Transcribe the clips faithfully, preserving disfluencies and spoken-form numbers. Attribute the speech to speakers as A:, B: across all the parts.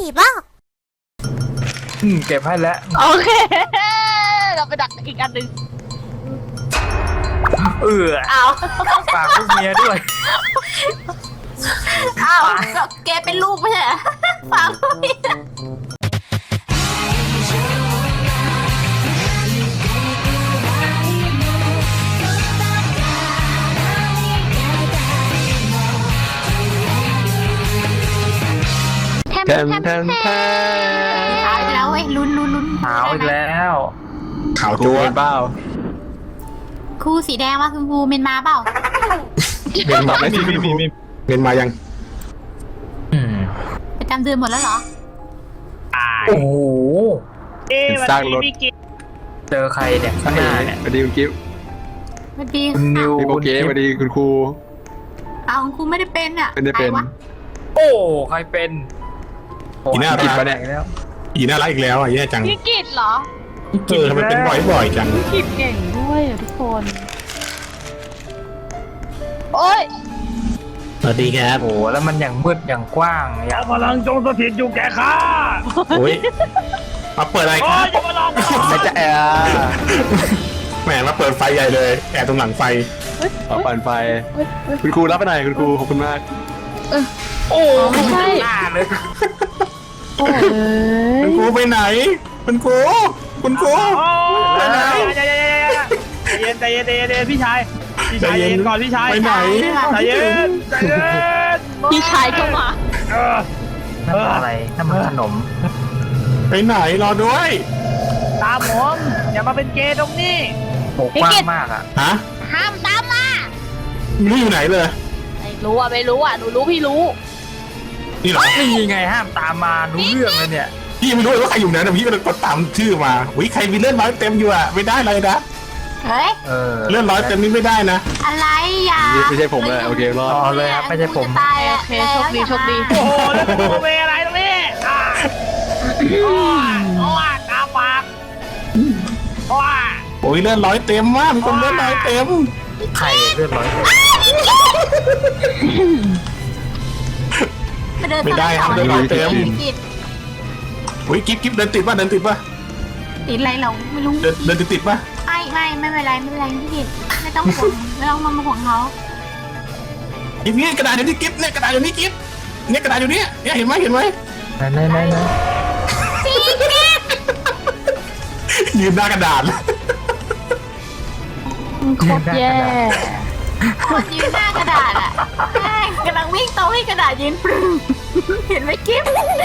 A: เปล่า
B: อืมเก็บให้แล้ว
C: โอเคเราไปดักอีกอันหนึ่ง
B: เออ
C: เอา
B: ฝากลูกเมียด้วย
C: เอาก็แกเป็นลูกไม่ใช่เหรอฝากลูกเมีย
D: แทมแทมแทมแทม
C: เอาอีกแล้วเว้ยลุ้นลุ้นลุ้น
B: หาวอีกแล้ว
E: ข่าว
D: กู
E: จัว
D: เป็นเปล่า
C: ครูสีแดงว่าคุณครูเมนมาเปล่า
E: เมนมาไม่มีมีมีมีเมนมายัง
B: อืม
C: ประจำเดือนหมดแล้วเหรอ
B: โอ้โห
D: เป็นสร้างรถ
B: เจอใครเนี่ยข้างหน้าเนี่ย
D: สวัสดีคุณกิฟต์
C: สวัสดี
B: คุณนิว
D: พี่โอเคสวัสดีคุณครู
C: เอาคุณครูไม่ได้เป็นอ่ะ
D: ไม่ได้เป็น
C: ใครวะ
B: โอ้ใครเป็นโอ้
E: อีน่า
B: ผิด
E: รัก
B: ปะเนี่ยแล้ว
E: อีน่ารักอีกแล้วอ่ะแย่จัง
C: พี่กิตเหรอ
E: เออทำไมเป็นบ่อยๆจัง
C: กิตเก่งด้วยอ่ะทุกคน โอ้ย
E: สวัสดีครับ
B: โอ้โหแล้วมันอย่างมืดอย่างกว้างอย่าง
F: พลังจงสถิตอยู่แก่ข้า
E: โอ้ยมาเปิดอะไรครับ
F: จะมาลอง
D: ไม่จะแอร์
E: แหมมาเปิดไฟใหญ่เลยแอบตรงหลังไฟ
D: ขอปั่นไฟ คุณครูรับไปหน่อยคุณครูขอบคุณมาก
B: โอ้
C: ไม่ใช่
B: หน้าเลย
C: โอ้ย
E: คุณครูไปไหนคุณครูคุณครู
F: ใจเย็นใจเย็นใจเย็นใจเย็นพี่ชายพี่ชายใจเย็นก่อนพี่ชาย
E: ไปไหน
F: ใจเย็นใจเย็น
C: พี่ชายเข้ามา
F: เออ
B: นั่นอะไรนั่นมันขนม
E: ไปไหนรอด้วย
F: ตามผมอย่ามาเป็นเกย์ตรงนี้
B: โอ้กว้างมากอ่ะ
E: ฮะ
C: ห้ามตามมา
E: ไม่รู้อยู่ไหนเลย
C: ไม่รู้อ่ะไม่รู้อ่ะหนูรู้พี่รู้
E: นี่เหรอ
B: นี่ไงห้ามตามมารู้เรื่องเลยเนี่ย
E: พี่ไม่รู้เลยว่าใครอยู่ไหนแต่พี่ก็เลยกดตามชื่อมาอุ้ยใครมีเลื่อนร้อยเต็มอยู่อ่ะไม่ได้เลยนะ
C: เฮ้ย
B: เออ
E: เลื่อนร้อยเต็มนี่ไม่ได้นะ
C: อะไรอย่า
D: ไม่ใช่ผมเลยโอเครอด
B: เอาเลยครับไม่ใช่ผม
C: ตายโอเคโชคดีโชคดี
F: โอ้โหแล้วจะมาเวอะไรตรงนี้อ่าโอ้ยโอ้ยตาปากโอ้ย
E: โอ้ยเลื่อนร้อยเต็มมากมีคนเลื่อนร้อยเต็ม
B: ใครเลือดร้อยเลย
E: ไม่ได้ครับเดินร้อยเต็ม
C: ติด
E: อุ้ยกิ๊บกิ๊บเดินติดป่ะเดินติดป่ะ
C: ติดอะไรเราไม่รู้
E: เดินเดินติดติดป่ะ
C: ไม่ไม่ไม่เป็นไรไม่เป็นไรพี่กิตไม่ต้องห่วงไม่ต้องมาห่วงเขา
E: กิ๊บเนี่ยกระดาษอยู่นี่กิ๊บเนี่ยกระดาษอยู่นี่กิ๊บเนี่ยกระดาษอยู่นี่เนี่ยเห็นไหมเห็นไหม
B: ไหนไหนไหนไหน
E: ยืนหน้ากระดาษ
C: โคตรแย่คนยืนหน้ากระดาษอ่ะแม่งกำลังวิ่งโต๊ะให้กระดาษยืนปรึ้งเห็นไหมกิ๊บ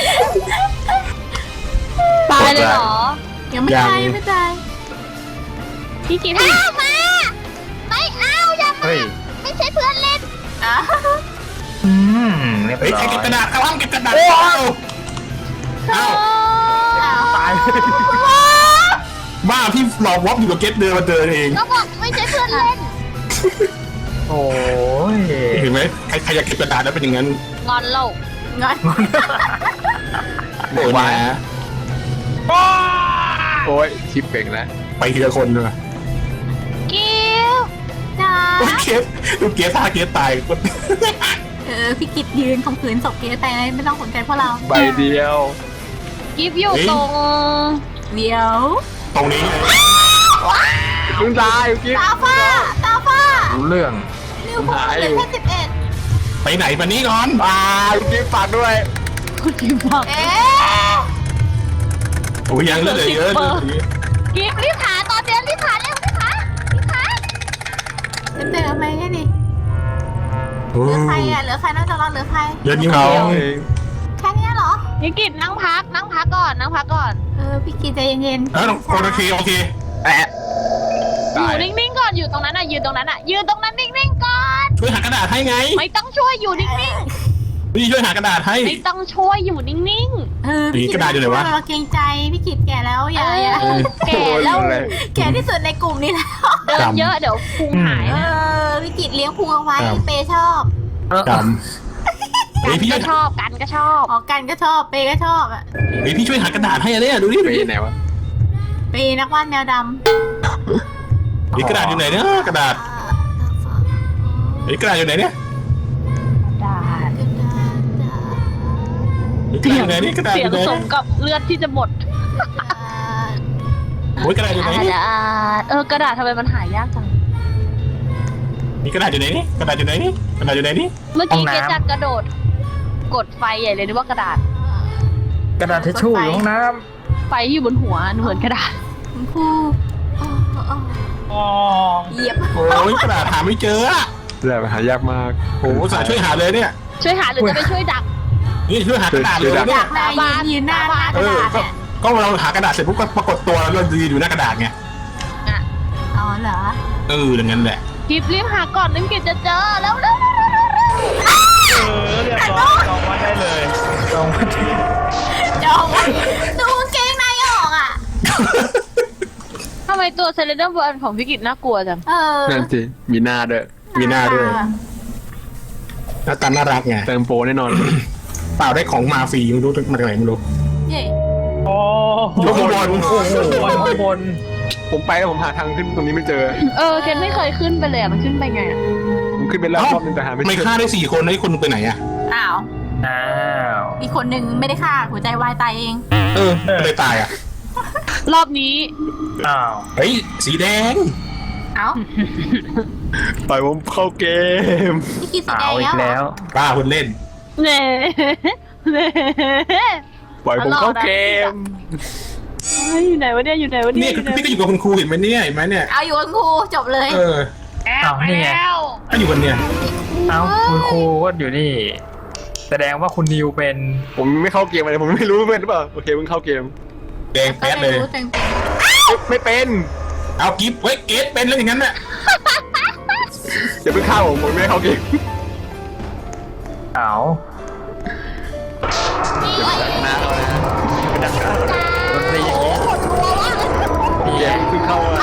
C: ตายเลยเหรอยังไม่ตายยังไม่ตายพี่กิ๊บเอามาไม่เอาอย่ามา
B: เฮ้ย
C: ไม่ใช่เพื่อนเล่นอ่ะ
B: อืมเรียบ
E: เฮ้ย
B: ร้
E: ใคร
B: อย
E: เก็บกระดาษเอาเก็บกระดาษเอาเอา
B: ตาย
E: บ้าพี่หลอกวอปอยู่กับเกตเดินมาเจอเอง
C: ก็บอกไม่ใช่เพื่อนเล่น
B: โอ้ย
E: เห็นไหมใครใครอยากเก็บกระดาษแล้วเป็นอย่างนั้น
C: งอนเรางอน
E: โอ้ยนะ
D: โอ้ยชิปเก่งแล้ว
E: ไปทีละคนเลย
C: กิ้วจ้า
E: โอ้ยเกตดูเกตท่าเกตตาย
C: เออพี่กิตยืนข่มขืนศพเกสไปไม่ต้องสนใจพวกเรา
D: ใบเดียว
C: กิฟอยู่ตรงเดี๋ยว
E: ตรงนี้เลย
D: คุณตายคุณกิฟต์
C: ตาฟ้าตาฟ้า
B: รู้เรื่อง
C: นิ้วโป้งเหลือแค่สิบเอ็ด
E: ไปไหนมานี้ก่อน
D: ตายคุณกิฟต์ฝากด้วย
C: คุณกิฟบอกเอ๊ะ
E: โอ้ยยังเหลือเยอะเลย
C: กิฟรีบหาตอนเดินรีบหาเร็วรีบหารีบหาจะเจอไหมแค่นี้เหลือใครอ่ะเหลือใครน่าจะรอดเหลือใคร
E: เยอะนิ้ว
D: เขา
E: เขา
D: เอง
C: แค่นี้เหรอ
G: พี่กิจนั่งพักนั่งพักก่อนนั่งพักก่อน
C: เออพี่กิตใจเย็นๆ
E: เออโอเคโอเคแอะ
G: อ
D: ตาย
G: ยู่นิ่งๆก่อนอยู่ตรงนั้นอ่ะยืนตรงนั้นอ่ะยืนตรงนั้นนิ่งๆก่อน
E: ช่วยหากระดาษให้ไง
G: ไม่ต้องช่วยอยู่นิ่ง
E: พี่ช่วยหากระดาษให้
G: ๆไม่ต้องช่วยอยู่นิ่ง
C: เออพี่
E: กระดาษอยู่ไหนวะ
C: เราเกรงใจพี่กิตแก่แล้วอย่าอย่า
G: ๆแก่แล้ว
D: โอ้ยเลย
C: แก่ที่สุดในกลุ่มนี้แล้ว
G: เดินเยอะเดี๋ยวพุงหาย
C: เอ
G: นะ
C: อพี่กิตเลี้ยงพุงเอาไว้เปย์ชอบ
E: จำเฮ้ยพี่ช่
G: ก็
E: วย
G: ชอบกันก็ชอบ
C: ออกกันก็ชอบเปย์ก็ชอบอ่ะ
E: เฮ้ยพี่ช่วยหากระดาษให้อะเนี่ยดูดิ
D: ไปไหนวะ
C: เปย์นักวาดแมวดำ
E: เฮ้ยกระดาษอยู่ไหนเนี่ยกระดาษเฮ้ยกระดาษอยู่ไหนเนี่ย
G: ได้
E: เกระดาษอยู่ไหนนี่กระดาษอ
G: เสียง
E: ยู่ไหน
G: สมกับเลือดที่จะหมด
E: โอ้ยกระดาษอยู่ไหน
G: ก
E: นี่
G: ระดาษเออกระดาษทำไมมันหายากจัง
E: มีกระดาษอยู่ไหนนี่กระดาษอยู่ไหนนี่กระดาษอยู่ไหนนี่
G: เมื่อกี้เกจัดกระโดด กดไฟใหญ่เลยนึกว่ากระดาษ
B: กระดาษทิชชู่อยู่ห้องน้
G: ไฟที่อยู่บนหัวเหมือนกระดาษ
C: คุณครูโอ้โอ้โอ้
F: อ๋อ
C: เหยียบ
E: โอ้ยกระดาษหาไม่เจออะ
A: แต่หายากมาก
E: โอ้โหสายช่วยหาเลยเนี่ย
G: ช่วยหาหรือจะไปช่วยดัก
E: นี่ช่วยหากระดาษเลย
C: อ
E: เนี่ย
C: ยากได้ยืนยืนหน้าหน้าก
E: เอ
C: ระ
E: อ
C: ดาษ
E: ก็
C: เนี่ย
E: ก็เราหากระดาษเสร็จปุ๊บก็ปรากฏตัวแล้วเรายืนอยู่หน้ากระดาษไง
C: อ๋อเหรอ
E: เอออย่างนั้นแหละ
G: กิบรีบหาก่อนนึกกิจจะเจอแล้วแล้ว
F: เออเรียบร้อยจองไว้ได้เลย
B: ำตรงมาที่
C: จองไว้ดูกางเกงในออกอ่ะ
G: ทำไมตัวเซเลนเดอร์บอลของพี่กิจน่ากลัวจัง
C: เออ
A: นั่นสิมีหน้าด้วย
E: มีหน้าด้วยหน้าตาน่ารักไง
A: เติมโปรแน่นอน
E: เปล่าได้ของมาฟรีไม่รู้มาจากไหนไม่รู้
C: เย่
F: โอ้
E: ยกข้างบน
B: โอ้โหข้างบน
A: ผมไปแล้วผมหาทางขึ้นตรงนี้ไม่เจอ
G: เออเคนไม่เคยขึ้นไปเลยอะมันขึ้นไปไงอะ
A: ผมขึ้นไปแล้วรอบนึงแต่หาไม่
E: ไม่
A: เจอ
E: ฆ่าได้สี่คนแล้วอีกคนนึงไปไหนอะ
C: อ้าว
B: อ้าว
C: มีคนหนึ่งไม่ได้ฆ่าหัวใจวายตายเอง
E: เออเลยตายอะ
G: รอบนี้
B: อ้าว
E: เฮ้ยสีแดง
C: เอ้า
A: ปล่อยผมเข้าเกม
C: พี่กินสี
B: อ้า
C: แด
B: ว
C: ง
B: อีก
C: แล้
B: แล้ว ว
E: กล้าคนเล่น
G: เน่เน่
A: ปล่อยผมเข้าเกม
G: เฮ้ยอยู่ไหนวะเนี่ยอยู่ไหนวะเนี่
E: เนี่ย ย
G: อยู่ไหน
E: พี่ก็อยู่กับคุณครูเห็นไหมเนี่ยเห็นไหมเนี่ย
C: เอาอยู่กับครูจบเลย
E: เออ
F: แอบไปแล้ว
E: ก็อยู่กันเนี่ย
B: เอ้าคุณครูก็อยู่นี่ แสดงว่าคุณนิวเป็น
A: ผมไม่เข้าเกมอะไรผมไม่รู้เป็นหรือเปล่าโอเคเพิ่งเข้าเกม
E: แดงแป๊ดเลย
C: รู้เต็ม
A: ไม่เป็น
E: เอากิฟต์ไว้เกตเป็นแล้วอย่างนั้นน่ะ
A: อย่าเพิ่งฆ่าผมผมไม่ได้เข้าเกม
B: เอ้า
A: นะเอานะ
B: ดนตรีอย่างนี้
A: เกมเพิ่งเข้าอะ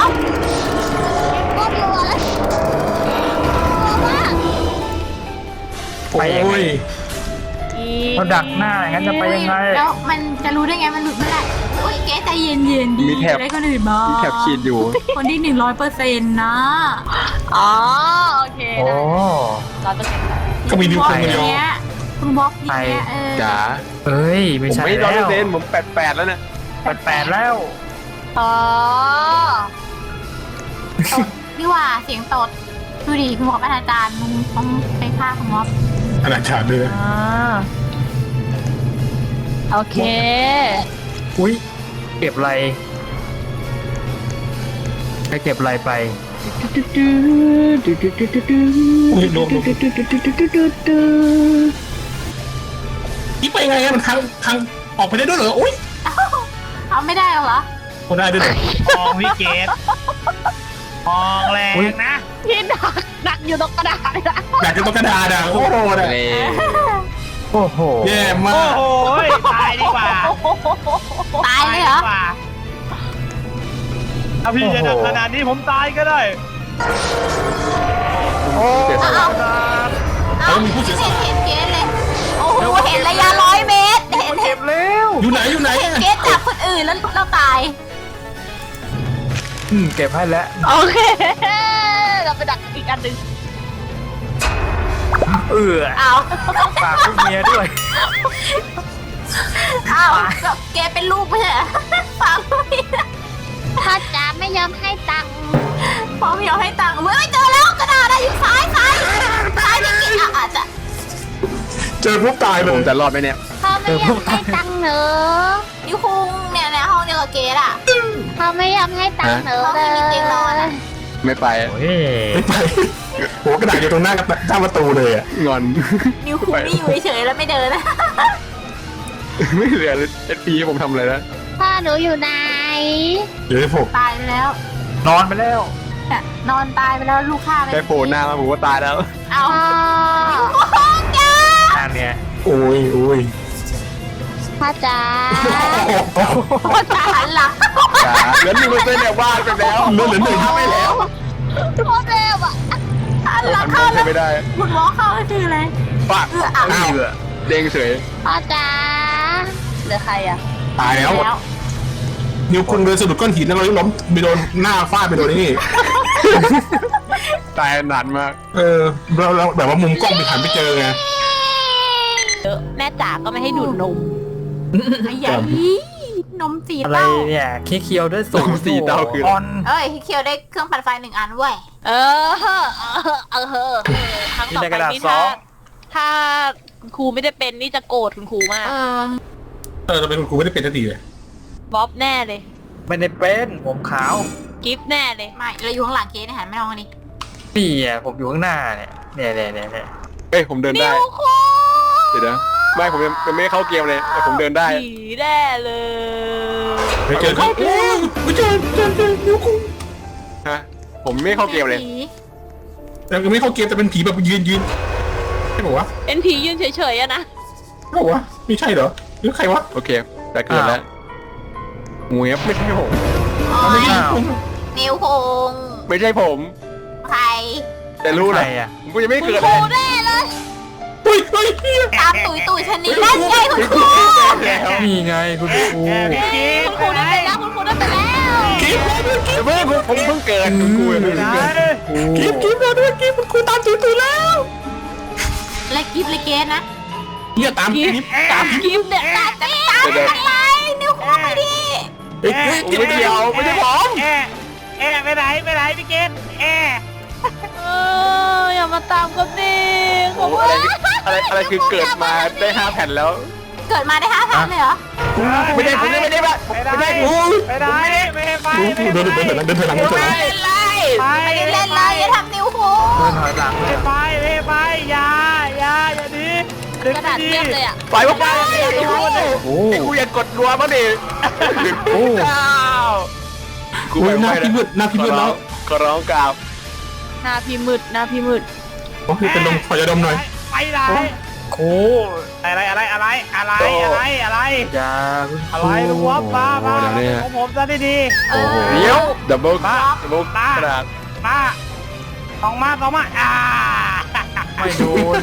B: ไปยังไง
E: โอ้ย
B: เขาดักหน้าอย่างนั้นจะไปยังไง
C: แล้วมันจะรู้ได้ไงมันหลุดเมื่อไหร่โอ้ยแกใจเย็นเย็นๆดี
A: มีแถบ
C: ได้คนอื่นบ้าง
A: มีแถบขีดอยู่
C: คนที่หนึ่งร้อยเปอร์เซ็นต์นะ
G: อ๋อโอเค
B: โอ้
G: เราจะเก็บ
E: ก็มีนิ้ว
C: บ
E: ค
C: ล็อน ก
E: เดียว
C: เนี้ยคุณบล็อกอย่างเนี้ยเออ
A: จ๋า
B: เอ้ย ไม่
A: ผม
B: ใช่
A: ไม่ร้อย
B: แล้
A: เปอ
B: ว
A: ร์เซ็นต์ผมแปดแปดแล้วนะ
B: แปดแปดแล้ว
G: อ๋อ
C: ตดนี่หว่าเสียงตดดูดิคุณบอกอาจารย์มึงต้องไปฆ่าคุณม็อบ
E: ขนาดฉากเลย
G: อ่าโอเค
B: อุ้ยเก็บอะไรไปเก็บอะไรไป
E: อุ้ยโดนโดนนี่ไปไงอะมันทางทางออกไปได้ด้วยเหรออุ้ย
C: เอาไม่ได้หรอเหรอ
E: คนได้ด้วยเหรอ
F: มองวิเกตมองแรงนะ
G: พี่ดักดักอยู่ตรงกระดาษเลยนะ
E: อยากจะต้องกระดาษอะโอ้โหอะ
A: เลย
B: โอ้โห
E: แย่มา
F: โอ้
E: ก
F: โหตายดีกว่า
C: ตายเลยเหรอ
F: ดีกว่าถ้าพี่จะดักขนาดนี้ผมตายก็ได้
B: โอ้
C: เอาเอาเอาเห็นเห็นเกสเลย โอ้โหเห็นระยะร้อยเมตรเห็นเห็
B: เก็
C: น
B: บแล้ว
E: อยู่ไหนอยู่ไหนอะ
C: เกสจับคนอื่นแล้วเราตาย
B: อืมเก็บให้แล้ว
G: โอเค เราไปดักอีกอันหนึ่ง
B: เออ
C: เอา
B: ฝากลูกเมียด้วย
C: เอาเกสเป็นลูกไม่ใช่เหรอฟังพี่
G: ถ้าจ๋าไม่ยอมให้ตังค์
C: พอไม่ยอมให้ตังค์เว้ยเจอแล้วกระดาษอะอยู่ซ้ายซ้ายซ้ายพี่กิ๊กอ่ะอาจจะ
E: เจอปุ๊บตายเล
A: ผม
E: ย
A: จะรอดไหมเนี่ย
G: เขาไม่ยอมให้ตังค์เนอะ
C: นิ้วคุงเนี่ยในห้องเดียวกับเกสอ่ะ
G: เขาไม่ยอมให้ตังค์เนอะ
C: เขาไม่มีเตียงนอนอะ
A: ไม่ไป
B: โอ้ย
E: ไม่ไปโหกระดาษอยู่ตรงหน้ากับหน้าประตูเลยอะ
A: งอน
C: นิ้วคุงนี่อยู่เฉยๆแล้วไม่เดินนะ
A: ไม่เหลือเอสพีผมทำอะไรนะ
G: พ่อหนูอยู่ไหน
E: เดี๋ยวให้ผม
C: ตายไปแล้ว
B: นอนไปแล้ว
C: เนี่ยนอนตายไปแล้วลูกฆ่าไป
A: แค่โผล่หน้ามาผมก็ตายแล้ว
C: เอา
G: พ่อ
C: โอ้โหจ้า
B: นั่นเนี่ย
E: โอ้ยโอ้ย
G: พ่อจ๋า
C: พ่อจ๋าหันหลัง
A: จ๋าเหลือหนึ่งเปอร์เซ็นต์เนี่ยว่าไปแล้ว
E: เลื่อนเหลือหนึ่งถ้าไม่แล้ว
G: พ่อเร็วอ่ะ
C: หันหลั
A: มั
C: ง
A: น
C: เข้า
A: ใช้
C: แล้ว
A: ไม่ได้
C: คุณหมอเข้าคืออะไร
A: ปะ
C: เอออ่ะ
A: อ้าวเด้งเฉย
G: พ่อจ๋าเหลือใครอ่ะ
E: ตายแล้ว นิ้วคุณเดินสะดุดก้อนหินแล้วเราล้มไปโดนหน้าฟาดไปโดนนี่
A: ตายนานมาก
E: เออเราเราแบบว่ามุมกล้องไปหันไปเจอไง
G: แม่จ๋าก็ไม่ให้ดูดนม
C: ไอ้ใหญ่นมสี
B: อะไร
C: เต้า
B: เนี่ยเคี้ยวๆด้วยสูง
A: สีเตาคือ
B: ออน
C: เอ้ยเคียวได้เครื่องปั่นไฟหนึ่งอันเว้ย
G: เออเออเออเออครั้งต่อไปนี่ถ้าถ้าคุณครูไม่ได้เป็นนี่จะโกรธคุณครูมาก
C: เออ
E: เออทำไมคุณครูไม่ได้เป็นสักทีเลย
G: บ๊อบแน่เลย
B: ไม่ได้เป็นผมขาว
G: กิฟต์แน่เลย
C: ไม่เราอยู่ข้างหลังเคสเนี่ยหันไม่มองกันดิ
B: นี่อ่ะผมอยู่ข้างหน้าเนี่ยเนี่ยเนี่ยเนี่ยเนี่ย
A: เฮ้ยผมเดิน
G: นิ
A: ได้
G: วคู
A: เดี๋ยวนะไม่ผมยังยังไม่ได้เข้าเกมเลยแต่ผมเดินได้
G: ผีแน่เลย
E: ไปเจอเขาโอ้ยไปเจอเจอเจอนิ้วคุ้ง
A: ฮะผมไม่เข้าเกมเลย
E: แต่ยังไม่เข้าเกมแต่เป็นผีแบบยืนยืนใช่ปะวะ
G: เป็นผียืนเฉยๆอะนะ
E: ใช่ปะวะไม่ใช่เหรอหรือใครวะ
A: โอเคแต่เกิดแล้วงูยับไม่ใช่ผม
C: อ๋อ
E: ไม่ใช่ผม
C: นิวคง
A: ไม่ใช่ผม
C: ใคร
A: แต่รู้
B: ใค
A: เล
B: ร
A: ย
B: อ่ะ
A: ผมก็ยังไม่
G: คุณ
A: เกิด
G: ค
A: เล
G: รู
A: ย
G: แน่เลย
E: เฮ้ยเฮ้ยเฮ้ย
C: ตามตุยตุยชนิดนั่นไงคุณครู
A: แล้ว
B: นี่ไงคุณครู
F: พี่กิ๊ฟ
G: คุณครูได้ไปแล้วคุณครูได้ไปแล้ว
E: กิ๊บมาด้วยกิ๊บ
A: เพิ่งผมเพิ่งเกิดคุณครูเพิ่ง
F: ไหน
A: เกิด
E: กิ๊บกิ๊บมาด้วยกิ๊บคุณครูตามตื่นตื่นแล้ว
C: และกิฟต์และเกสนะ
E: เนี่ยตามกิ๊บตาม
G: กิฟต์เนี่ย
C: ตามตามตามอะไรนิวคงไปดิ
E: เฮ้ยเฮ้ย
A: ผมไม่เกี่ยวไม่ใช่ผม
F: แอะแอะไปไหนไปไหนพี่กิ๊ฟแอะ
G: เอออย่ามาตามกันดิข
A: โอ้
G: อบ
A: อะไรอะไรอะไรคือเกิดมาได้ห้าแผ่นแล้ว
C: เกิดมาได้ห้าพันเลยเหรอ
A: ไม่ได้ผมไม่ได้ไม่ได้
F: ไปไหน
A: ไม่ได้
F: ไปไหนไม่ให้ไป
E: เดินเดินเดินเดินถอยหลังเดินถอยหลัง
C: ไม่เล่นเลย
F: ไป
C: ไม่ได้เล่นเลยอย่าทำนิวคง
B: เดินถอยหลังเล
F: ไม่
B: ย
F: ไปไม่ไปอย่าอย่าอย่าดี
G: กระดาษเทียบเลยอ่ะ
A: ไปวะไปโอ้ไอ้กูอยากกดรัวมั้งดิโอ้เจ้ากู
E: โอ้ยห
A: ไม่
E: น้า
A: ไหว
E: พี่มืดหน้าพี่มืดแล้ว
A: ขอร้องกราบ
G: หน้าพี่มืดหน้าพี่มืด
E: โอ้ยเป็นลมขอยาดมหน่อย
F: ไปไหน
B: ครู
F: อะไรอะไรอะไรอะไรอะไรอะไร
B: อย่าคุณค
F: อะ
B: รู
F: ไรลุงวอฟมามาของผมซะดี
C: เออ
A: เดี๋ยวดับเบิลดับเบิลกระดาษ
F: ๆมาสองมาสองมาอ่า
B: ไม่โดน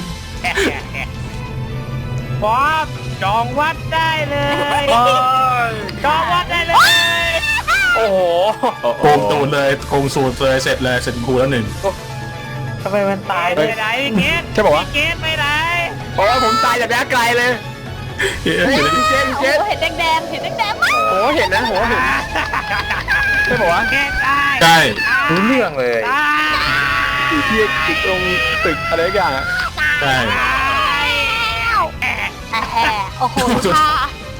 F: บอสจองวัดได้เลย
B: โอ้ย
F: จองวัดได้เลย
B: โอ้โห
E: โกงตูนเลยโกงสูตรเลยเสร็จเลยเสร็จครูแล้วหนึ่ง
B: ทำไมมันตาย
F: ไปไหนพี่เกต
A: ใช่ป่าวะ
F: พี่เกตไปไหน
A: โอ้ผมตายจากระยะไกลเลย
E: เฮ้ย
A: เฮ้ยเจน
G: โอ้
A: เจน
G: เห็นแดงๆเห็นแดงๆมั้ย
A: โอ้เห็นนะโหเห็นใช่ป่าวะ
F: เกตได้
E: ใช่
B: รู้เรื่องเลย
F: ได้
A: อยู่ที่อยู่ตรงตึกอะไรอย่างอ่ะ
E: ใช่
C: แหมโอ้โหค่ะ
B: แอะ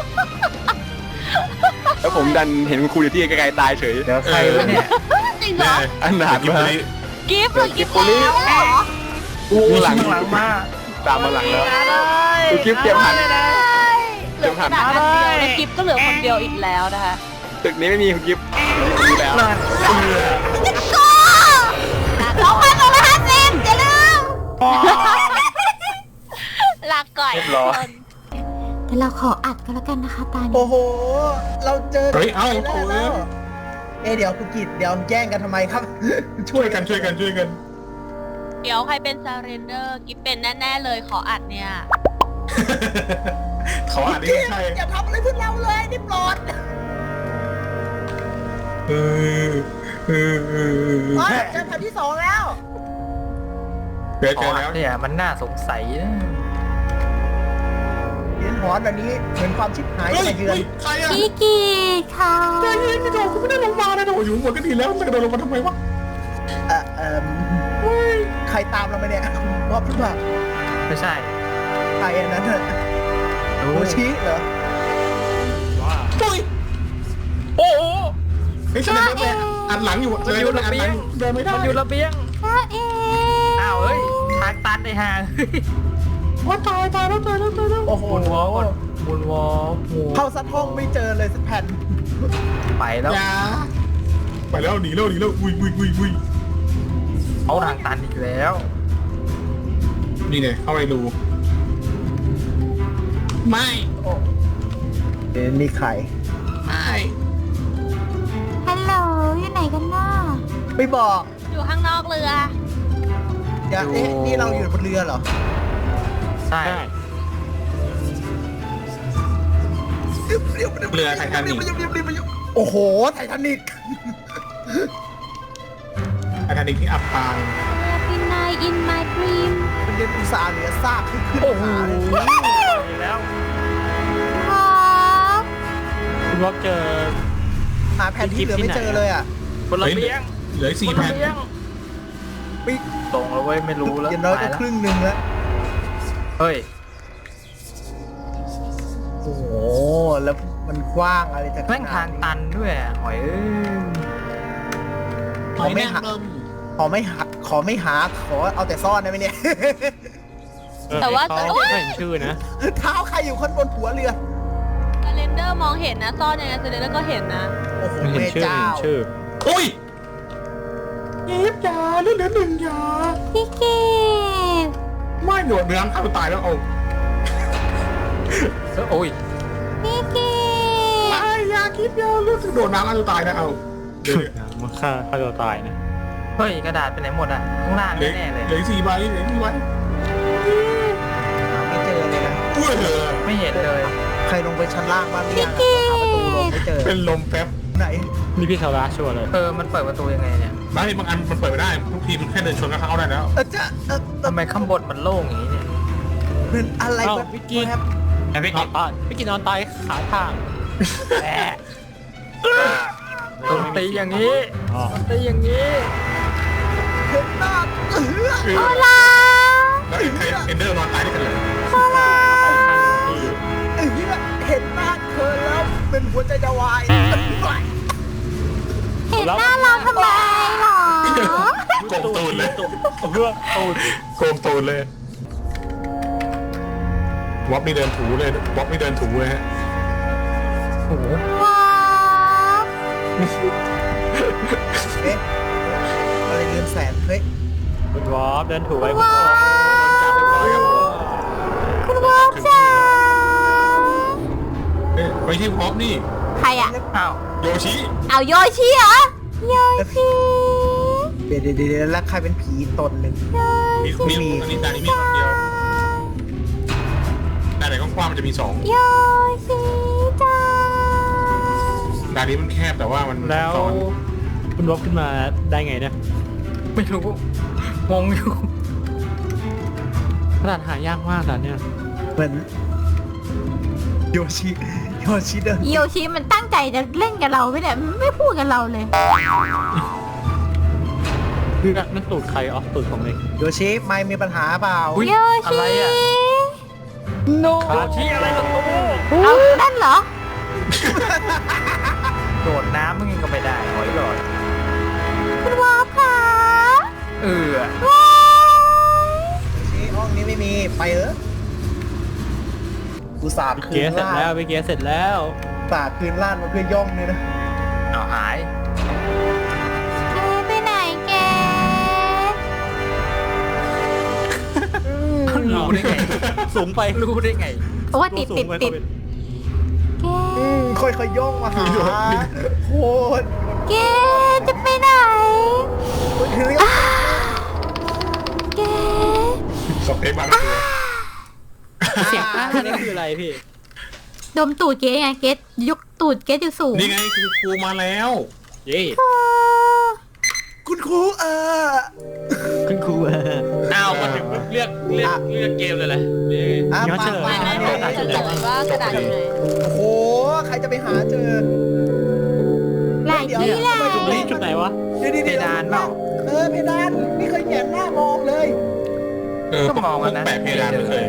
A: แล้วผมดันเห็นคุณครูอยู่ที่ไกลๆตายเฉย
B: เดี๋ยวใครวะเนี่ย
G: จริงเหรอ
A: อันหนาด
E: กิ๊บ
A: มา
E: เลย
G: กิฟต์เหรอกิฟต์แล้ว
C: เหรอ
A: อู้หลัง
B: ข้างหลังมา
A: ตามมาหลังแล้ว
F: มาเลย
A: คุณกิ๊ฟเตรียมหัน
F: มาเลย
G: เหลือกระดาษอันเดียวแล้วกิฟต์ก็เหลือคนเดียวอีกแล้วนะคะ
A: ตึกนี้ไม่มีคุณกิฟต์มีแล้ว
B: นั่นเอือ
C: สองพันสองร้อยห้าสิบอย่าลืม
G: ลาก่อย
B: เรียบร้อย
C: เดี๋ยวเราขออัดกันแล้วกันนะคะตานี้
H: โอ้โห เราเจอ
E: เฮ้ยเอ้า
H: แล้
E: โอ้
H: วย แล้วเอะเดี๋ยวคุณกิตเดี๋ยวแย่งกันทำไมครับ
E: ช่วยกันช่วยกันช่วยกัน
G: เดี๋ยวใครเป็นซาเรนเดอร์กิฟต์เป็นแน่ๆเลยขออัดเนี่ย
E: เขาอ่านนี่
H: กิต
E: ใช่
H: อย่าทำอะไรพวกเราเลยนี่ปลอด
E: เออเออเออ
H: อ๋อเจอแถวที่สองแล้ว
E: เกิด
B: ขอ
E: เกิด
B: อั
E: แล้ว
B: ดเนี่ยมันน่าสงสัยนะ
H: เรียนหอนแบบนี้เหมือนความชิบหาย
E: เฮ้ย
H: จะมาเยือน
E: ใครอ่ะ
C: พี่กีค่ะ
E: ใจเย็นไม่โดนกูไม่ได้ลงมาเลยนะโอ้ยอยู่หัวก็ดีแล้วมันจะกระโดดลงมาทำไมวะ
H: เอ่อเอ่อใครตามเรามาเนี่ยคุณบ๊อบหรือเปล่า
B: ไม่ใช่
H: ใครอันนั้นน่ะ
B: ดู
H: โอชิเหรอ
E: โอ้ย
B: โอ้โห
E: ไอ้ฉันเดินไปอันหลังอยู่เลยอันหลังเดินไม่ได้
B: มันอยู่ระเบียง
C: พ่อเอง
B: อ้าวเฮ้ยทางตันไอ้ห่าง
E: ว่าตายตายแล้วตายแล้วตายแล้ว
H: โอ้โห
B: บุญวอลก่อนบุญวอลโอ้โห
H: เข้าสักห้องไม่เจอเลยสักแผ่น
B: ไปแล้ว
E: อย่าไปแล้วหนีแล้วหนีแล้วอุ้ยอุ้ยอุ้ยอุ้ย
B: เอาทางตันอีกแล้ว
E: นี่ไงเข้าไปดูไม่
H: เอ๊ะนี่ใคร
E: ไม่
C: ฮัลโหลอยู่ไหนกันน่ะ
H: ไม่บอก
G: อยู่ข้างนอกเรือ
H: อย่าเอ๊ะนี่เราอยู่บนเรือเหรอ
B: ใช่
E: เรือไททานิก
H: โอ้โหไททานิก
E: ไททานิกที่อับปาง
G: Happy night in my dream
H: มันเรียนอุตสาห์เหลือซากขึ้นขึ้น
B: โอ้โห
H: หาเลย
B: แล้ว
C: พ่อ
F: คุณวอฟเจอ
H: หาแผนที่เหลือไม่เจอเลยอ่ะ
B: คนละเบี้ยง
E: เหลืออีก
B: ค
E: สี่
B: น
E: แผ่
B: ละ
E: น
B: เบี้ยงตรงแล้วเว้ยไม่รู้แล้ว
H: อย่างน้อยก็
B: ไปแล้ว
H: ครึ่งหนึ่งแล้ว
B: เฮ้ย
H: โอ้โหแล้วมันกว้างอะไรจาก
B: แม่งทางตันด้วยอะหอยเอ้ย
E: หอยแมงมุม
H: ขอไม่หาขอไม่หาขอเอาแต่ซ่อนได้ไหมเนี่ย
G: แต่ว่า
F: เขา
G: โอ๊ย
F: ไม่เห็นชื่อนะ
H: เท้าใครอยู่ข้างบนหัวเรือ
G: สเลนเดอร์มองเห็นนะซ่อนยังไงสเลนเดอร์ก็เห็นนะ
H: โอ้โห
F: ไม่เห็น
H: แม่
F: ชื่อ
H: เจ้า
F: ไม่เห็นชื่อ
E: อุ้ยยิบยาเรื่องเดือนหนึ่งยา
C: พี่เกด
E: ไม่โดดเนื้อข้าวตายแล้วเอา
B: โอ้ย
C: พี่เกด
E: ไม่อยาคิดยาเรื่องโดดน้ำข้าวตายนะเอาเดี๋ยว
F: มันฆ่าฆ่าตัวตายนะ
B: เฮ้ยกระดาษไปไหนหมดอ่ะข้างล่าง
E: เหลือ
B: แน่ๆเลย
E: เหลือสี่ใบเหลือสี่ใบ
H: หาไม่เจอเลยนะ
E: อุ้ยเหลือ
B: ไม่เห็นเลย
H: ใครลงไปชั้นล่างบ้างหรือยังอะหาประตูลงไม่เจอ
E: เป็นลมแป๊บ
H: ไหน
F: นี่พี่คาราชัวร์เลย
B: เออมันเปิดประตูยังไงเนี่ย
E: ไม่บางอันมันเปิดไม่ได้ทุกทีมันแค่เดินชนก็เข้าได้แล้ว
H: เออจะเออเออ
B: ทำไมข้างบนมันโล่งอย่างนี้เนี่ย
H: เป็นอะไร
F: เอ้า
H: แบบ
F: พี่กิน
H: ครับ
F: พี่กินอ่ะพี่กินนอนตายขาทางแหม
B: ตรงตีอย่างนี้
F: อ๋อ
B: ตีอย่างนี้
H: เห็นหน้าเออ
C: โอลา
E: แล้วใครเอนเดอร์นอนตายด้วยกันเลย
F: ไปข้างที่
H: เออเห็นหน้าเธอแล้วเป็นหัวใจจะวาย
C: เห็นหน้าเราทำไมหรอ
E: โกงตูนเลย
F: เพื่อตูน
E: โกงตูนเลย วอปนี่เดินถูเลย วอปนี่เดินถูเลยฮะ
B: โอ้โห
C: ว้าว
H: เอ๊ะอะไรเรือนแสนเฮ้ย
F: คุณวอฟเดินถูกไว้คุณ
C: ว้าว
E: จับเรียบร้อยครับ
C: คุณวอฟจ้า
E: เอ๊ะไปที่วอปนี่
C: ใครอ่ะ
B: อ้าว
E: โยชิ
C: เอาโยชิเหรอโยชิ
H: เดี๋ยวเดี๋ยวเดี๋ยวแล้วใครเป็นผีตนหนึ่ง
E: มีมีอันนี้ดานี้มีคนเดียวดาไหนกว้างๆมันจะมีสอง
C: โยชิจ้า
E: ดานี้มันแคบแต่ว่ามัน
F: แล้ว
E: ซ้อน
F: คุณวอฟขึ้นมาได้ไงเนี่ย
B: ไม่รู้งงอยู่
F: ขนาดหายากมากแต่เนี่ย
H: เหมือนโยชิโยชิเดิน
C: โยชิมันตั้งใจจะเล่นกับเราไม่ได้มันไม่พูดกับเราเลย
F: คือนั่นตูดใครอ๋อตูดของเอง
H: โยชิไม่มีปัญหาเปล่า
B: อุ๊ย
C: โย
B: อะ
C: ชิ
B: ไรอ่ะ
C: โน
B: โดดที่อะไรประตู
C: เอานั่นเหรอ
B: โดดน้ำมึงก็ไม่ได้หอยหลอด
C: คุณวอฟค่ะ
B: เออ
C: ว้าว
H: โยชิห้องนี้ไม่มีไปเออกูสาบคื
F: เกีย
H: น
F: ร์เสร็จ
H: ล่า
F: แล้ว
H: น
F: ไปเกียร์เสร็จแล้ว
H: สาบคืนล่านมาเพื่อย่องเนี่ยนะ
B: เอาหาย
C: เอ้ยไปไหนแก
B: รู้ได้ไง
F: สูงไป
B: รู้ได้ไง
C: โอ้ยติดติดติดแก
H: อืมค่อยๆย่องมาหาโคตร
C: แกจะไปไหน
H: เฮ้ย
C: แก
E: สเปคบางตัว
F: เสียงอ้านี่คืออะไรพี่
C: ดมตูดเกไงเกยกตูดเกอยู่สูง
E: นี่ไงคือครูมาแล้ว
F: เย่
H: คุณครูเออ
F: คุณครู
A: อ้าวมาถึงเลือกเลือกเลือกเกมเลยแหละ
H: อ่ะ
F: ย้อนเฉลย
H: มา
G: ไม่ไม่ไม่จะเฉลยว่ากระดาษอยู่ไหน
H: โอ้โหใครจะไปหาเจอ
C: หลายที่แหละ
F: จุดนี้จุดไหนวะ
H: เดี๋ยวๆๆ
B: เพดานเปล่า
H: เออเพดานไม่เคยแหงนหน้ามองเลย
E: เออ
B: ก็มอง
E: พว
B: กั
E: ก
B: นนะ
E: แปะเพดานไม่เคย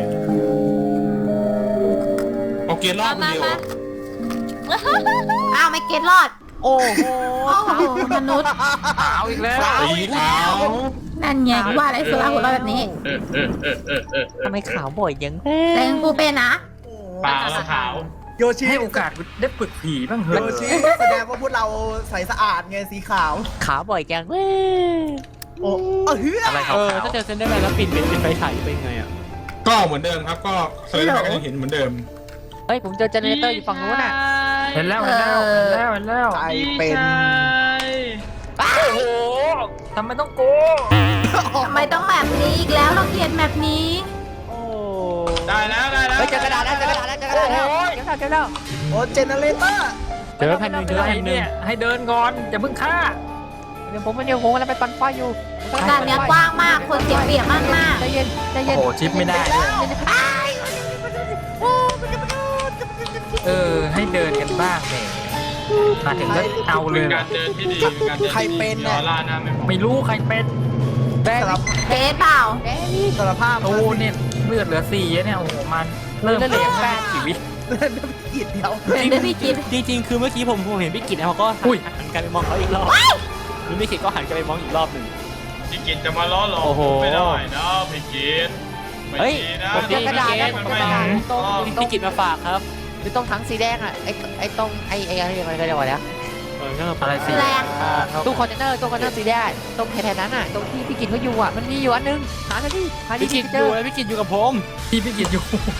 E: เอาเกียร์รอ
G: มา
E: บคน
G: มา
E: เดียว
G: มา
C: อ้าวไม่เกตรอด โอ้โหมนุษย์
B: เอาอีกแล้ว
E: สีขาว
C: นั่นไงว่าอะไรสุราหัวเราะแบบนี้
F: ทำไมขาวบ่อยยัง
C: แต่งกูเป็นนะ
A: ปากแล้วขาว
H: โยชิ
B: ให้โอกาสกูได้ฝึกผีบ้างเห
H: โย
B: อะ
H: ชิแสดงว่าพวกเราใสสะอาดไงสีขาว
F: ขาวบ่อยจัง
H: โอ้เออเฮ้ย
B: อะไรขาว
F: เออ
B: ๆ
F: ถ้าเจอเซนได้ไหมแล้วปิดเป็นเป็นไฟฉายเป็นไงอ่ะ
E: ก็เหมือนเดิมครับก็สเลนก็ยังเห็นเหมือนเดิม
I: เฮ้ยผมเจอเจเนเรเตอร์อยู่ฝั่งนู้นอ่ะ
B: เห็นแล้วเห็นแล้วเห็นแล้วเห็นแล้ว
H: ใครเป็น
B: โอ้โหทำไมต้องโก
C: ทำไมต้องแบบนี้อีกแล้วเราเกลียดแบบนี้
I: โอ้
A: ได้แล้วได้แล้ว
I: เฮ้ยเจอกระดาษแล้วเจอกระดาษแล้วเจอกระดาษแล้วเจอกระดาษเจอแล้ว
H: โอ้เจเนเรเตอร์
F: เจอแผ่นหนึ่งเจอแผ่นหนึ่ง
B: เนี่ยให้เดินก่อนอย่าเพิ่งฆ่า
I: เดี๋ยวผมมันเดี๋ยวผมกำลังไปปั่นไฟอยู่
C: ด่านเนี้ยกว้างมาก คนเสียเปรียบมากมาก
I: ใจเย็นใจ
B: โอ้
I: เย็น
B: โหชิปไม่ได้ด้วยเออให้เดินกันบ้างแหมมาถึงก็เอาเลยเหรอ
A: เดินที่ดีการเดิน
H: ใครเป็นน่ะ
A: ล่าหน้าไม่
B: ไม่รู้ใครเป็น
I: แบ
H: สาร
I: บ
C: เกสเปล่า
H: สารภาพ
B: โอ้เนี่ยเลือดเหลือสี่เนี่ยโอ้โหมันเริ่ม
I: เลือดเหลือแปด
B: ชีวิต
H: กิดเดียว
C: เดี๋ยวพี่กิน
J: จริงๆ คือเมื่อกี้ผมผมเห็นพี่กิตนะเขาก็หั
B: อุ้ย
J: นหันกลับไปมองเขาอีกรอบแล้วพี่กิตก็หันกลับไปมองอีกรอบหนึ่ง
A: พี่กินจะมาล้อหลอก
J: โอ้โห
A: ไม่ได้นะพี่กินไม่
J: เฮ้ย
A: ดีนะ
J: ผมเจอกระดาษแล้ว
A: มัน
J: ผม
A: ไม่
J: เจอกระดาษ
A: ดี
I: ตรง
J: พี่กิตมาฝากครับ
I: คือตรงถังสีแดงอ่ะไอ้ไอ้ตรงไอ้ไอ้อะไรอะไรกันเดี๋ยวนะ
J: เออก็
B: อะไรสิ
C: แรง
I: ตู้คอนเทนเนอร์ตู้คอนเทนเนอร์สีแดงตรงแถวๆนั้นอ่ะตรงที่พี่กินเขาอยู่อ่ะมันมีอยู่อันนึงหาหน่อยดิหาดิ
J: พี่กิต
I: เจ
J: อยู่
I: อ
J: แล้วพี่กิตอยู่กับผม
B: ที่พี่กินอยู่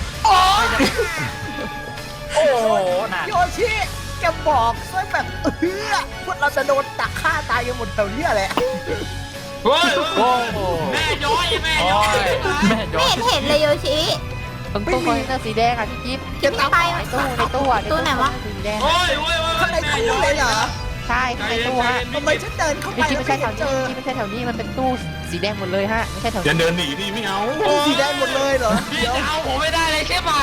B: โอ้โหหนัก
H: โยชิแกบอกซะแบบเฮือพวกเราจะโดนตักฆ่าตายกันหมดแถวเนี้ยแหละ
A: เฮ้ย
J: โอ้โห
A: แม่ย้อยแม่
B: โอ้
A: ย้อย
B: ยแม่ย
C: ไม่
B: อ
C: เห็นเห็นเลยโยชิ
I: ตรงตู้คอนเทนเนอร์สีแดงอ่ะพี่กิ๊ฟ
C: จะไม่ไป
I: ในตู้ในตู้อ่ะ
C: ตู้ไหนวะ
I: สีแดง
A: โอ้ยโอ้ยโอ้ย
H: ข้างใน
A: แม่
H: ตู้
A: ย้อ
H: เลย ยเหรอ
I: ใช่ในตู้ฮะ
H: ทำไมฉันเดินเข้าไป
I: พี่กิ๊ฟ
H: แล้ว
I: ไม่ใช่
H: ไม่
I: แถ
H: เห็
I: วน
H: เจ
I: นี้
H: อ
I: พี่ไม่ใช่แถวนี้มันเป็นตู้สีแดงหมดเลยฮะไม่ใช่แถว
E: อย่า
I: นี้
E: เดินหนีดิไม่เอา
H: ตู้สีแดงหมดเลยเหรอ
A: พี่
H: เดี๋ยว
A: จะเอาผมไม่ได้เลยใช่ไหม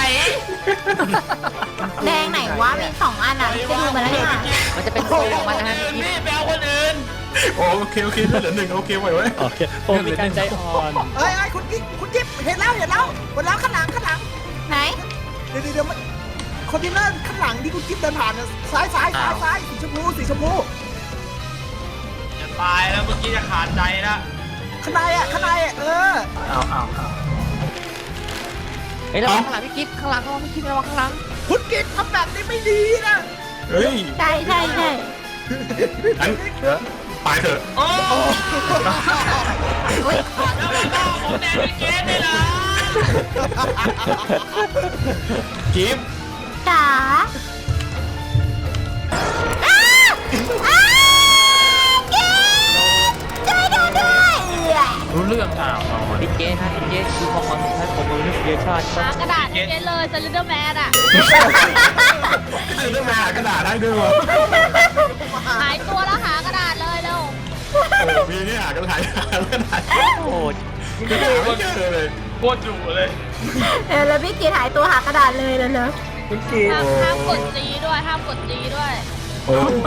C: แดงไหนวะมีสองอันอ่ะไปดูมาแล้วเนี่ย
I: มันจะเป็นโซนของมันนะฮะพี่กิ๊ฟ
A: พี่ไปเอาคนอื่น
E: โอเคโอเคเหลือหนึ่งโอเคไหวไว้
J: โอเคผมมีการใจอ่อน
H: เอ้ยเอ้ยคุณกิ๊กคุณกิ๊บเห็นแล้วเห็นแล้วหมดแล้วข้างหลังข้างหลัง
C: ไหน
H: เดี๋ยวเดี๋ยวเดี๋ยวมันคอนเทนเนอร์ข้างหลังที่คุณกิ๊บเดินผ่านน่ะซ้ายซ้ายซ้ายซ้ายสีชมพูสีชมพู
A: จะตายแล้วเมื่อกี้จะขาดใจแล้ว
H: ข้างในอ่ะข้างในอ่ะเออ
B: เอาเอาเอา
I: เฮ้ยระวังข้างหลังพี่กิ๊ฟข้างหลังระวังพี่กิ๊ฟระวังข้างหลัง
H: คุณกิ๊บทำแบบนี้ไม่ดีนะ
E: เฮ้ย
C: ใช่ใช่ใช่
E: อันตายเถอะ
A: โอ้
C: อุ้ย
A: แล้วมันก็ผมแดงพี่เกสได้เหรอ
E: กิฟต์
C: จ๋าอ้าอ้าเกสช่วยดูด้วยเอื่อย
B: รู้เรื่องอ้าวเอา
I: พี่เจฮะพี่เจคือความความใช้ผมมือนี่เยอะชาติ
G: หากระดาษให้เกสเลยสลิเดอร์แมนอ่ะ
E: คือเรื่องมากระดาษได้ด้วยวะ
G: หายตัวแล้วหากระดาษเลยเร็ว
E: โอ้มีเนี่ยกระดาษกระดาษ
I: โอ้ย
E: กระดาษไม่เจอเลย
A: โคตรดุเลย
C: เออแล้วพี่กีหายตัวหากระดาษเลยแล้วเนอะ
H: คุณกิ๊บ
G: ห้ามห้ามกดจีด้วยห้ามกดจีด้วย
E: โอ้โห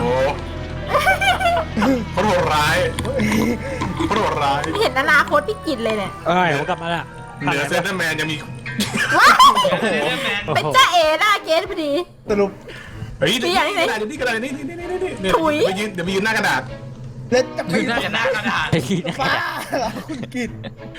E: เขาโหดร้ายเขาโหดร้าย
C: ไม่เห็นอนาคตพี่กินเลยเนี่ย
J: เอ้ยผมกลับมาละ
E: เหนือเซนเตอร์แมนยังมี
C: ว้าว
A: เดนแมน
C: เป็นจ้าเอ๋หน้าเกสพอดี
H: สรุป
E: เฮ้ยนี่กระดาษนี่กระดาษนี่นี่นี่นี่นี่
C: ถุย
E: ไปยืนเดี๋ยวไปยืนหน้ากระดาษ
H: แล้วจะไป
A: น่าจะหน้ากระดาษ
I: ไอ้ที่นะ
H: บ้าเหรอคุณกิ๊บ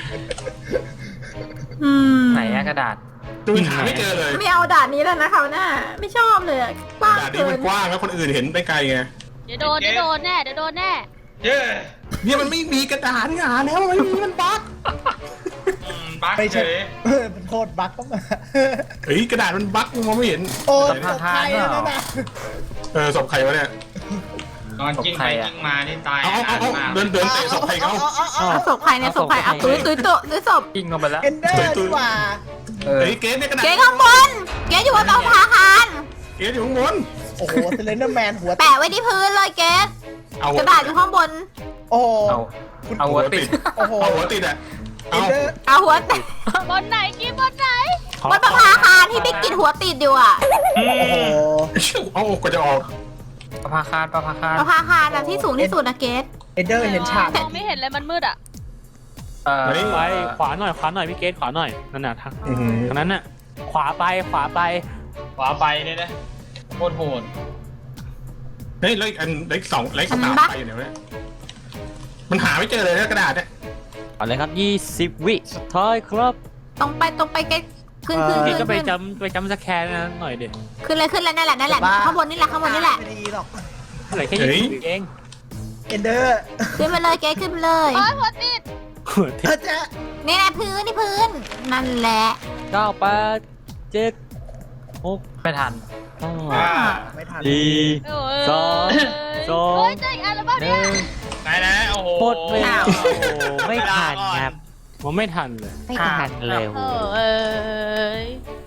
C: อืม
B: ไหนอะกระดาษ
E: ดูหาไม่เจอเลย
C: ไม่เอาด่านนี้แล้วนะเขาวหน้าไม่ชอบเลยอะกว้าง
E: กระดาษนี้
C: เกิ
E: มัน นกว้างแล้วคนอื่นเห็นไปไกลไง
G: เดี๋ยวโดนเดี๋ยวโดนแน่เดี๋ยวโดนแน่
A: เย้
E: เนี่ยมันไม่มีกระดาษนี่หาแล้วมันไม่มีมันบั๊ก
A: บัก
H: ไม่
A: เฉ
H: ใช่
A: ย
H: เออเป็นโทษบั๊กก็มา
E: เฮ้ยกระดาษมันบั๊กมองไม่เห็น
H: โอ้ยตกใครแล้วนะ
E: เออศพใครวะเนี่ย
A: ตอนกิ้งไปกิ้งมานี่ตาย
E: เอาเอาเอา
A: มาก
E: เดินเดินเตะศพใครเขา
C: เอาศพใครเนี่ยศพใครเอาตุ้ยตุ้ยตุ้ยตุ้ยศพ
B: กิ้งลงไปแล้ว
H: เอนเดอร์ดีกว่า
B: เออ
E: เฮ้ยเกสเนี่ยกระดาษ
C: เกสข้างบนเกสอยู่บนเตาพาคาร
E: เกสอยู่ข้างบน
H: โอ้โหเซเลนเดอร์แมนหัว
C: แปะไว้ที่พื้นเลยเกส
E: เอา
C: กระดาษอยู่ข้างบน
H: โอ้โห
B: เอาเอาหัวติด
H: โอ้โห
E: เอาหัวติดอ่ะ
H: เอ
E: เอา
H: นเดอร์
C: เอาหัวติด
G: บนไหนกี้บนไหน
C: บนประภาคารที่พี่กินหัวติดอยู่อ่ะ
H: โอ้โห
E: เอากว่าจะออก
B: ประภาคารประภาคาร
C: ประภาคารแบบที่สูงที่สุดนะเกส
H: เอนเดอร์เห็นฉาก
G: มองไม่เห็นเลยมันมืดอ่ะ
B: เออ
J: ไปขวาหน่อยขวาหน่อยพี่เกตขวาหน่อยนั่นน่ะทาง
E: อื้อหือ
J: ทางนั้นน่ะขวาไปขวาไป
A: ขวาไปเนี่ยนะโคตรโหด
E: เฮ้ยแล้วอีกอันเล็กสองเล็กสามไปอยู่ไหนวะเนี่ยมันหาไม่เจอเลยนะกระดาษเนี่ย
J: เอาเลยครับยี่สิบวิสุดท้ายครับ
C: ตรงไปตรงไปเกสขึ้นขึ้น
J: พี่
C: ขึ้น
J: ก็ไป
C: ขึ้น
J: จำไปจำสแกนนั้นหน่อยดิ
C: ขึ้นเลยขึ้นเลยนั่นแหละนั่นแหละข้างบนนี่แหละข้างบนนี่แหละ
H: ไม่ดีหรอก
J: เหลือแค่ยี่สิบเอง
H: เอนเดอร์
C: ขึ้นไปเลยเกสขึ้นไปเลย
G: โอ้ยหัวติด
J: หัว
H: เธ
J: ที่
H: อจะ
C: นี่แหละพื้นนี่พื้นนั่นแหละ
J: เก้าแปดเจ็ดหก
B: ไม่ทัน
J: ห้า
A: อ่า
H: ไม่ทัน
J: สี่
G: โอ้ย
J: สองสอง
G: เฮ้ยเจ๊อีกอันแล้วบ้าง
J: ห
G: เนี่
J: นึ่
G: ย
J: ง
A: ไหนนะโอ้โห
J: หมดเวลา
C: อ้าว
J: โอ้โหไม่ทันครับผมไม่ทันเลย
I: ไม่ทันเลย
G: เออเอ้ย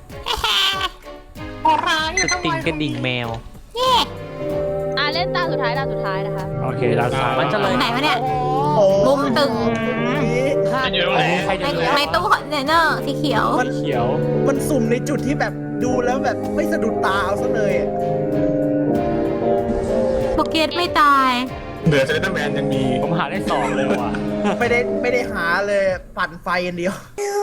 J: สติงกระดิ่งแมว
G: อ่ะเล่นตาสุดท้ายตาสุดท้ายนะคะ
J: โอเคเราสามมันจะ
C: ต
J: เล
C: ร
J: ย
C: งไหนวะเนี่ย
H: โอ้
C: มุมตึง
A: มันอยู่ตรงไหน
J: ใคร
C: ใน
J: จะเลย
C: ในตู้คอนเทนเนอร์สีเขียว
H: มัน
J: เขียว
H: มันสุ่มในจุดที่แบบดูแล้วแบบไม่สะดุดตาเอาซะเลยอะ
C: เกตไม่ตาย
E: เหลือเซเลนแมนยังมี
J: ผมหาได้สองเลยว่ะ
H: ไม่ได้ไม่ได้หาเลยปั่นไฟอย่างเดียว
C: โ